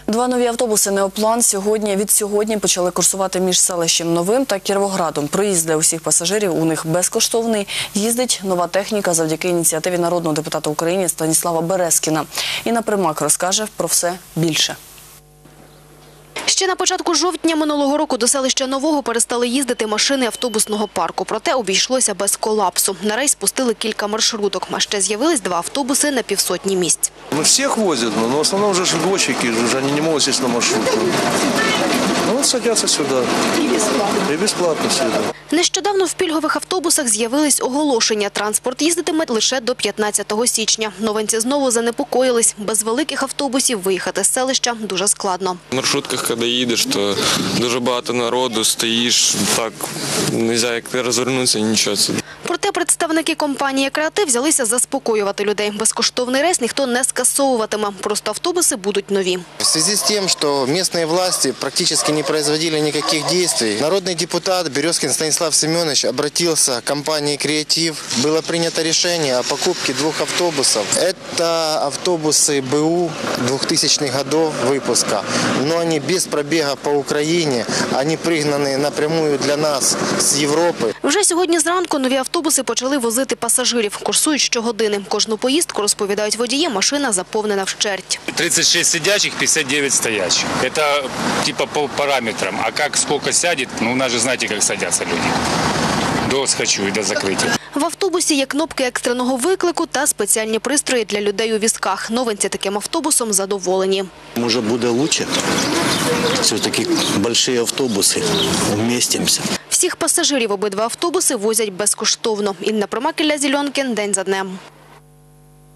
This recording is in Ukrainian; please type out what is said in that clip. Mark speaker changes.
Speaker 1: Два нові автобуси «Неоплан» від сьогодні почали курсувати між селищем Новим та Кіровоградом. Проїзд для усіх пасажирів у них безкоштовний. Їздить нова техніка завдяки ініціативі народного депутата України Станіслава Березкіна. Інна Примак розкаже про все більше.
Speaker 2: Ще на початку жовтня минулого року до селища Нового перестали їздити машини автобусного парку. Проте обійшлося без колапсу. На рейс пустили кілька маршруток, а ще з'явились два автобуси на півсотні місць.
Speaker 3: Всіх возять, але в основному вже ж дочки, вони не можуть сісти на маршрутку. Ну, садяться сюди. І безплатно сюди.
Speaker 2: Нещодавно в пільгових автобусах з'явились оголошення. Транспорт їздитиме лише до 15 січня. Новинці знову занепокоїлись. Без великих автобусів виїхати з селища дуже складно.
Speaker 4: В маршрутках, коли їдеш, то дуже багато народу, стоїш, так, не можна як розвернутися, нічого.
Speaker 2: Проте представники компанії «Креатив» взялися заспокоювати людей. Безкоштовний рейс ніхто не скасовуватиме, просто автобуси будуть нові.
Speaker 5: В связи з тим, що місцеві власті практично не производили ніяких дій, народний депутат Березкін Станіслав Семенович обратився к компанії «Креатив». Було прийнято рішення о покупці двох автобусів. Це автобуси БУ 2000-х років випуску, але вони без пробігу по Україні, вони пригнані напряму для нас з Європи.
Speaker 2: Вже сьогодні зранку нові автобуси почали возити пасажирів. Курсують щогодини. Кожну поїздку, розповідають водії, машина заповнена вщерть.
Speaker 6: 36 сидячих, 59 стоячих. Это типа по параметрам. А как сколько сядет, ну у нас же знаете, как садятся люди. До схочу і до закриття.
Speaker 2: В автобусі є кнопки екстреного виклику та спеціальні пристрої для людей у візках. Новинці таким автобусом задоволені.
Speaker 7: Може буде краще? Все-таки великі автобуси, вмістимося.
Speaker 2: Всіх пасажирів обидва автобуси возять безкоштовно. Інна Примак, Ілля Зільонкін. День за днем.